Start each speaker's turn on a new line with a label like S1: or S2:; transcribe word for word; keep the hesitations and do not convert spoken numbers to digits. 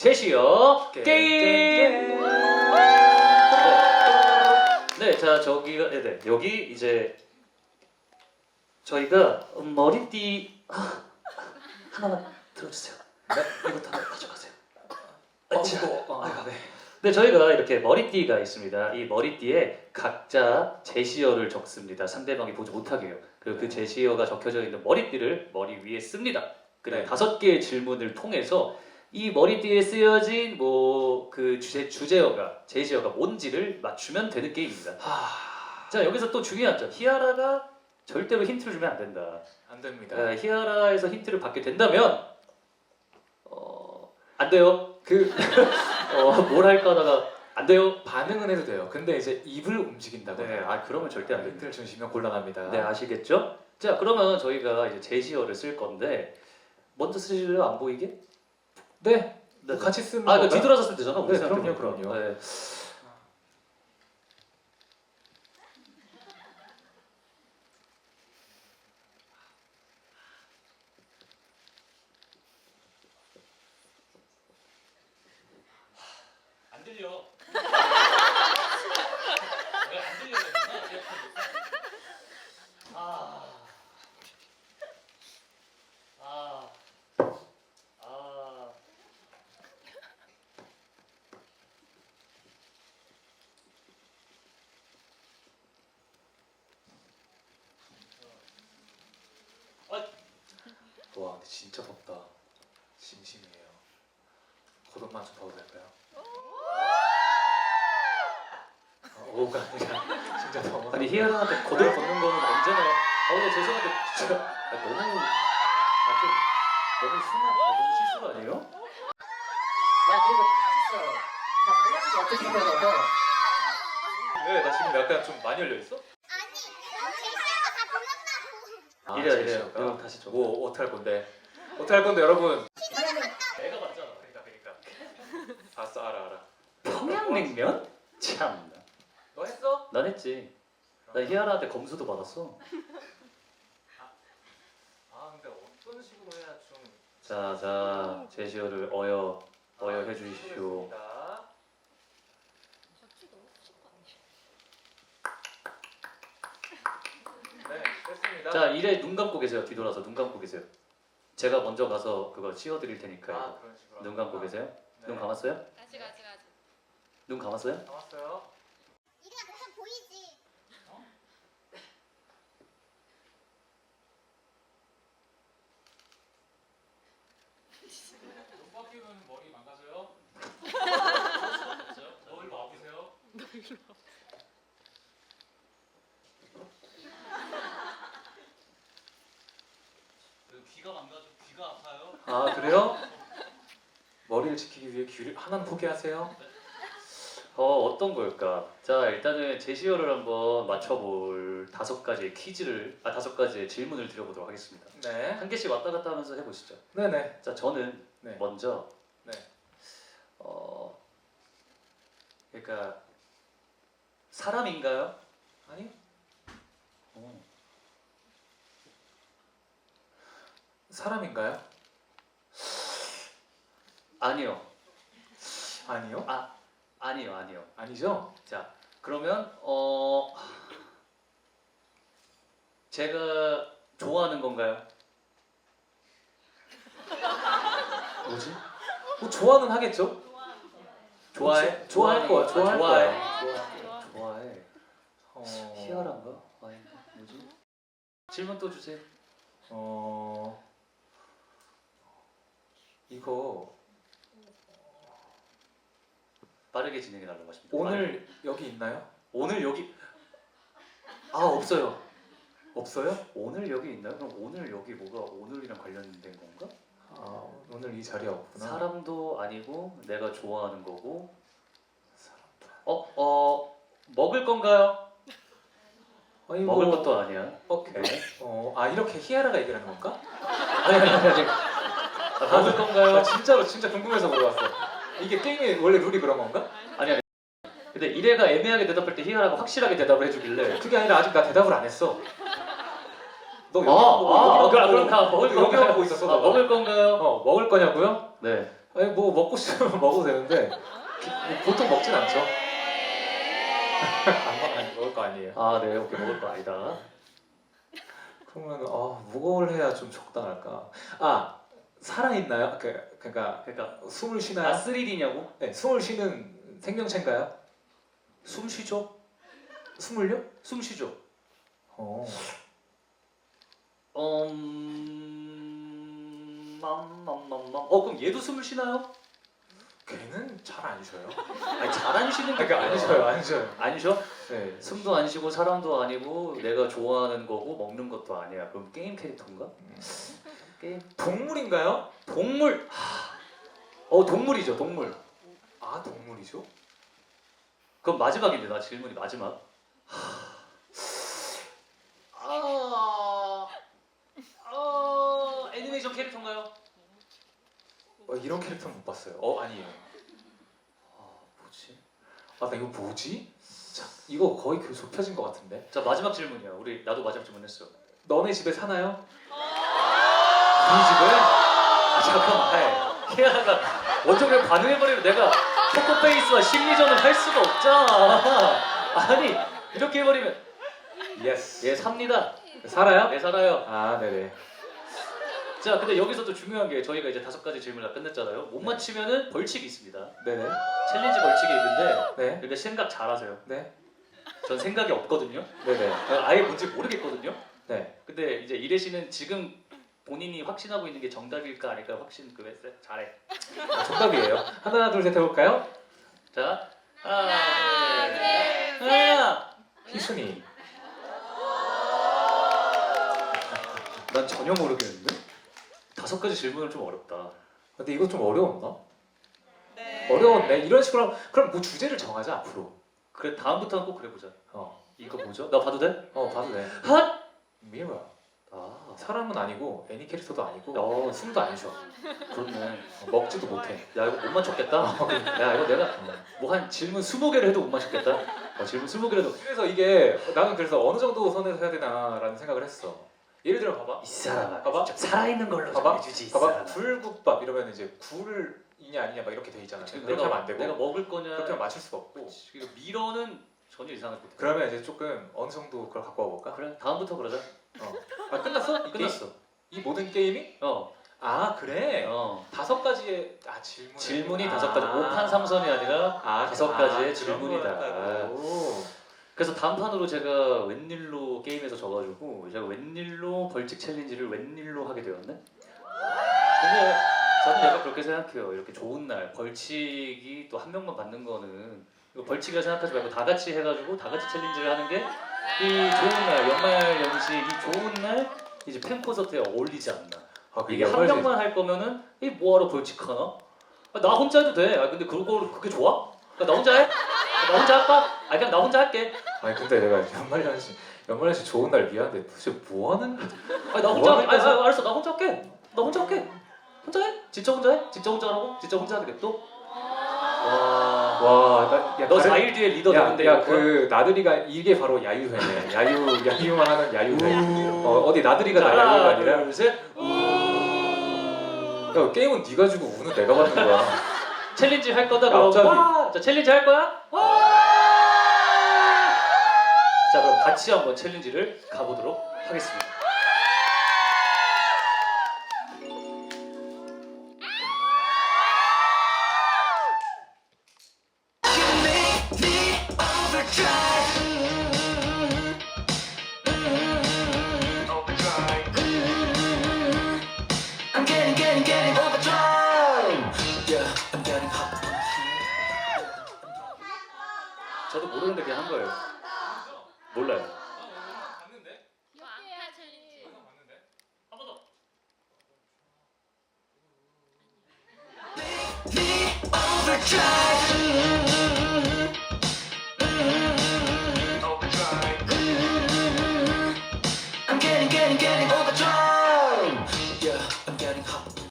S1: 제시어
S2: 게임.
S1: 게임. 네, 자 저기가 네네 네. 여기 이제 저희가 머리띠 아, 하나만 들어주세요. 네, 이것도 하나 가져가세요.
S2: 어,
S1: 자,
S2: 어, 아, 네.
S1: 네, 저희가 이렇게 머리띠가 있습니다. 이 머리띠에 각자 제시어를 적습니다. 상대방이 보지 못하게요. 그리고 그 제시어가 적혀져 있는 머리띠를 머리 위에 씁니다. 그리고
S2: 네.
S1: 다섯 개의 질문을 통해서 이 머리띠에 쓰여진 뭐 그 주제 주제어가 제시어가 뭔지를 맞추면 되는 게임입니다.
S2: 하...
S1: 자, 여기서 또 중요한 점, 히아라가 절대로 힌트를 주면 안 된다.
S2: 안 됩니다.
S1: 어, 히아라에서 힌트를 받게 된다면 어, 안 돼요. 그 어, 뭘 할까 하다가 안 돼요.
S2: 반응은 해도 돼요. 근데 이제 입을 움직인다거나
S1: 네, 아 그러면 절대 안 됩니다.
S2: 힌트를 주시면 곤란합니다.
S1: 네, 아시겠죠? 자, 그러면 저희가 이제 제시어를 쓸 건데 먼저 쓰실래요? 안 보이게?
S2: 네.
S1: 네.
S2: 뭐 같이 쓰는
S1: 아, 이거
S2: 건가요?
S1: 뒤돌아서 쓰면 되잖아. 우리
S2: 네,
S1: 생각해보니까.
S2: 그럼요, 그럼요.
S1: 네. 안 들려. 왜안 들려? 아. 아. 아.
S2: 와, 근데 진짜 덥다. 심심해요. 겉옷만 좀 봐도 될까요? 아, 오가 아니라 진짜 더워.
S1: 아니 희연한테 거들 걷는 거는 언제나 아 근데 죄송한데 진짜 아, 너무 아좀 너무 순한 아, 너무 실수가 아니에요?
S3: 야 그리고 다 쳤어. 다 발라주기 어떻게 되려고?
S2: 왜? 나 지금 약간 좀 많이 열려 있어?
S4: 아니, 제시어가 다 불렀다고.
S2: 아,
S1: 이래요 이래요
S2: 제시어가?
S1: 이거 다시 줘.
S2: 뭐 어떻게 할 건데? 어떻게 할 건데 여러분?
S1: 내가 맞잖아.
S2: 그러니까 그러니까. 알았어, 알아 알아.
S1: 평양냉면? 참나.
S2: 너 했어?
S1: 난 했지. 나 희아라한테 검수도 받았어.
S2: 아 근데 어떤 식으로 해야 좀
S1: 자, 자, 제시어를 어여, 어여
S2: 아,
S1: 해주십시오.
S2: 해보겠습니다. 네, 됐습니다.
S1: 자, 이래 눈 감고 계세요. 뒤돌아서 눈 감고 계세요. 제가 먼저 가서 그거 씌워드릴 테니까요.
S2: 아, 그런 식으로.
S1: 눈 감고 계세요?
S2: 네.
S1: 눈 감았어요?
S5: 아직 아직 아직.
S1: 눈 감았어요?
S2: 감았어요.
S4: 이래야 그냥 보이지.
S2: 눈 바뀌면 머리 망가져요? 너 일로 와보세요.
S1: 귀가 망가져. 귀가 아파요?
S2: 아 그래요? 머리를 지키기 위해 귀를 하나는 포기하세요.
S1: 어, 어떤 걸까? 자, 일단은 제시어를 한번 맞춰볼 다섯 가지의 퀴즈를, 아, 다섯 가지의 질문을 드려보도록 하겠습니다.
S2: 네.
S1: 한 개씩 왔다 갔다 하면서 해보시죠.
S2: 네네.
S1: 자, 저는
S2: 네.
S1: 먼저,
S2: 네.
S1: 어, 그러니까, 사람인가요?
S2: 아니?
S1: 어.
S2: 사람인가요?
S1: 아니요.
S2: 아니요.
S1: 아, 아니요, 아니요.
S2: 아니죠?
S1: 자, 그러면, 어, 제가 좋아하는 건가요?
S2: 뭐지? 뭐 좋아는 하겠죠?
S1: 좋아해?
S2: 좋아할 거야. 좋아할
S1: 좋아해.
S2: 거야.
S5: 좋아.
S1: 좋아해.
S2: 어...
S1: 희열한가? 아니, 뭐지? 질문 또 주세요.
S2: 어... 이거
S1: 빠르게 진행해 달라고 하십니다.
S2: 오늘 여기 있나요?
S1: 오늘 여기 아 없어요.
S2: 없어요?
S1: 오늘 여기 있나요? 그럼 오늘 여기 뭐가 오늘이랑 관련된 건가?
S2: 아 오늘 이 자리에 없구나.
S1: 사람도 아니고 내가 좋아하는 거고.
S2: 사람도.
S1: 어, 어 먹을 건가요?
S2: 아니,
S1: 먹을
S2: 뭐-
S1: 것도 아니야.
S2: 오케이.
S1: 네.
S2: 어, 아 이렇게 희아라가 얘기하는 건가?
S1: 아니 아니 아니. 아니. 아, 먹을
S2: 아
S1: 건가요?
S2: 진짜로 진짜 궁금해서 물어봤어. 이게 게임의 원래 룰이 그런 건가?
S1: 아니 아니. 근데 이래가 애매하게 대답할 때 희열하고 확실하게 대답을 해주길래.
S2: 그게 아니라 아직 나 대답을 안 했어. 너 여기
S1: 아,
S2: 보고
S1: 아,
S2: 여기만
S1: 그럼
S2: 보고,
S1: 그럼 다 먹을
S2: 여기만
S1: 건가요?
S2: 보고 있었어.
S1: 아,
S2: 너가.
S1: 먹을 건가요?
S2: 어 먹을 거냐고요?
S1: 네.
S2: 아니 뭐 먹고 싶으면 먹어도 되는데 뭐 보통 먹진 않죠. 안, 먹- 안 먹을 거 아니에요.
S1: 아, 네, 오케이, 먹을 거 아니다.
S2: 그러면 아 무거울 해야 좀 적당할까? 아 살아 있나요? 그 그러니까
S1: 그러니까
S2: 숨을
S1: 아,
S2: 쉬나요?
S1: 쓰리디냐고?
S2: 네, 숨을 쉬는 생명체인가요?
S1: 숨 쉬죠?
S2: 숨을요?
S1: 숨 쉬죠.
S2: 어.
S1: 음... 맘맘맘맘. 어, 그럼 얘도 숨을 쉬나요?
S2: 걔는 잘 안 쉬어요.
S1: 아니, 잘 안 쉬는 게
S2: 그러니까 안 쉬어요, 안 쉬어요.
S1: 안 쉬어?
S2: 네.
S1: 숨도 안 쉬고 사람도 아니고 내가 좋아하는 거고 먹는 것도 아니야. 그럼 게임 캐릭터인가? 게임
S2: 동물인가요?
S1: 동물. 하... 어, 동물이죠, 동물.
S2: 아 동물이죠?
S1: 그럼 마지막인데 나 질문이 마지막. 아, 아, 애니메이션 캐릭터인가요?
S2: 어, 이런 캐릭터는 못 봤어요. 어 아니에요.
S1: 아, 뭐지?
S2: 아 나 이거 뭐지? 자 이거 거의 그 좁혀진 것 같은데.
S1: 자, 마지막 질문이야. 우리 나도 마지막 질문했어.
S2: 너네 집에 사나요?
S1: 우리 집에? 아, 잠깐만. 아이, 희아가 먼저 그냥 반응해버리면 내가 포커페이스와 심리전을 할 수가 없잖아. 아니, 이렇게 해버리면
S2: 예스.
S1: 예, 삽니다.
S2: 살아요?
S1: 네, 살아요.
S2: 아 네네.
S1: 자, 근데 여기서도 중요한 게 저희가 이제 다섯 가지 질문을 다 끝냈잖아요. 못 맞히면은 벌칙이 있습니다.
S2: 네네.
S1: 챌린지 벌칙이 있는데
S2: 네.
S1: 그러니까 생각 잘하세요.
S2: 네.
S1: 전 생각이 없거든요.
S2: 네네.
S1: 아예 뭔지 모르겠거든요.
S2: 네.
S1: 근데 이제 이래 씨는 지금 본인이 확신하고 있는 게 정답일까 아닐까 확신 그 했어요. 잘해.
S2: 아, 정답이에요. 하나 둘 셋 해볼까요?
S1: 자, 하나, 둘, 셋. 하나.
S2: 희순이.
S1: 난 전혀 모르겠는데? 다섯 가지 질문은 좀 어렵다.
S2: 근데 이거 좀 어려웠나? 어려웠네. 이런 식으로 하면- 그럼 뭐 주제를 정하자 앞으로.
S1: 그래, 다음부터는 꼭 그래보자.
S2: 어.
S1: 이거 뭐죠? 나 봐도 돼?
S2: 어 봐도 돼.
S1: 핫!
S2: 미라.
S1: 아,
S2: 사람은 아니고 애니 캐릭터도 아니고
S1: 어.
S2: 숨도 안 쉬어.
S1: 그렇네.
S2: 어, 먹지도 못해.
S1: 야, 이거 못 맞췄겠다. 야, 이거 내가 뭐 한 질문 스무 개를 해도 못 맞췄겠다. 어, 질문 스무 개를 해도
S2: 그래서 이게 나는 그래서 어느 정도 선에서 해야 되나라는 생각을 했어. 예를 들어 봐봐.
S1: 이 사람아,
S2: 봐봐.
S1: 좀 살아있는 걸로
S2: 봐봐.
S1: 좀 해주지. 이
S2: 봐봐.
S1: 사람아.
S2: 불국밥 이러면 이제 굴이냐 아니냐 막 이렇게 돼 있잖아.
S1: 지금
S2: 그렇게
S1: 내가
S2: 하면 안 되고.
S1: 내가 먹을 거냐?
S2: 그렇게 하면 맞출 수가 없고.
S1: 이거 미러는 전혀 이상할 것 같아.
S2: 그러면 이제 조금 어느 정도 그걸 갖고 와볼까?
S1: 그래, 다음부터 그러자.
S2: 아 끝났어? 이 게임?
S1: 끝났어.
S2: 이 모든 게임이?
S1: 어,
S2: 아 그래.
S1: 어.
S2: 다섯 가지의 아 질문.
S1: 질문이 다섯 가지. 오판 삼선이 아니라
S2: 아,
S1: 다섯
S2: 아,
S1: 가지의
S2: 그런
S1: 질문이다.
S2: 거였다고.
S1: 그래서 다음 판으로 제가 웬일로 게임에서 져가지고 제가 웬일로 벌칙 챌린지를 웬일로 하게 되었네. 근데 저는 약간 그렇게 생각해요. 이렇게 좋은 날 벌칙이 또 한 명만 받는 거는 이거 벌칙이라 생각하지 말고 다 같이 해가지고 다 같이 챌린지를 하는 게 이 좋은 날 연말 연시 이 좋은 날 이제 팬 콘서트에 어울리지 않나.
S2: 아, 그게
S1: 이게 한
S2: 연말제-
S1: 명만 할 거면은 이 뭐하러 벌칙하나? 아, 나 혼자 해도 돼. 아 근데 그거 그게 좋아? 아, 나 혼자 해? 아, 나 혼자 할까? 아 그냥 나 혼자 할게.
S2: 아니 근데 내가 연말연시 연말연시 좋은 날 미안한데 도대체 뭐 하는?
S1: 아니 나 혼자
S2: 뭐
S1: 아,
S2: 하는
S1: 아, 알았어 나 혼자 할게. 나 혼자 할게. 혼자 해? 진짜 혼자 해? 진짜 혼자 하라고? 진짜 혼자 하는 게 또? 와.
S2: 와, 나, 야,
S1: 너
S2: 다른-
S1: 사 일 뒤에 리더
S2: 야,
S1: 되는데
S2: 야,
S1: 이거
S2: 그 나들이가 이게 바로 야유회네. 야유, 야유만 하는 야유회. 어, 어디 나들이가 나 야유가
S1: 하나
S2: 아니라.
S1: 둘 셋.
S2: 야, 게임은 네가 주고 우는 내가 받는 거야.
S1: 챌린지 할 거다
S2: 야,
S1: 그럼.
S2: 갑자기.
S1: 와! 자 챌린지 할 거야? 와! 자 그럼 같이 한번 챌린지를 가보도록 하겠습니다.
S5: I'm getting, getting, getting overdrive. Yeah, I'm getting hot.
S1: 저도 모르는데 그냥 한 거예요. 몰라요.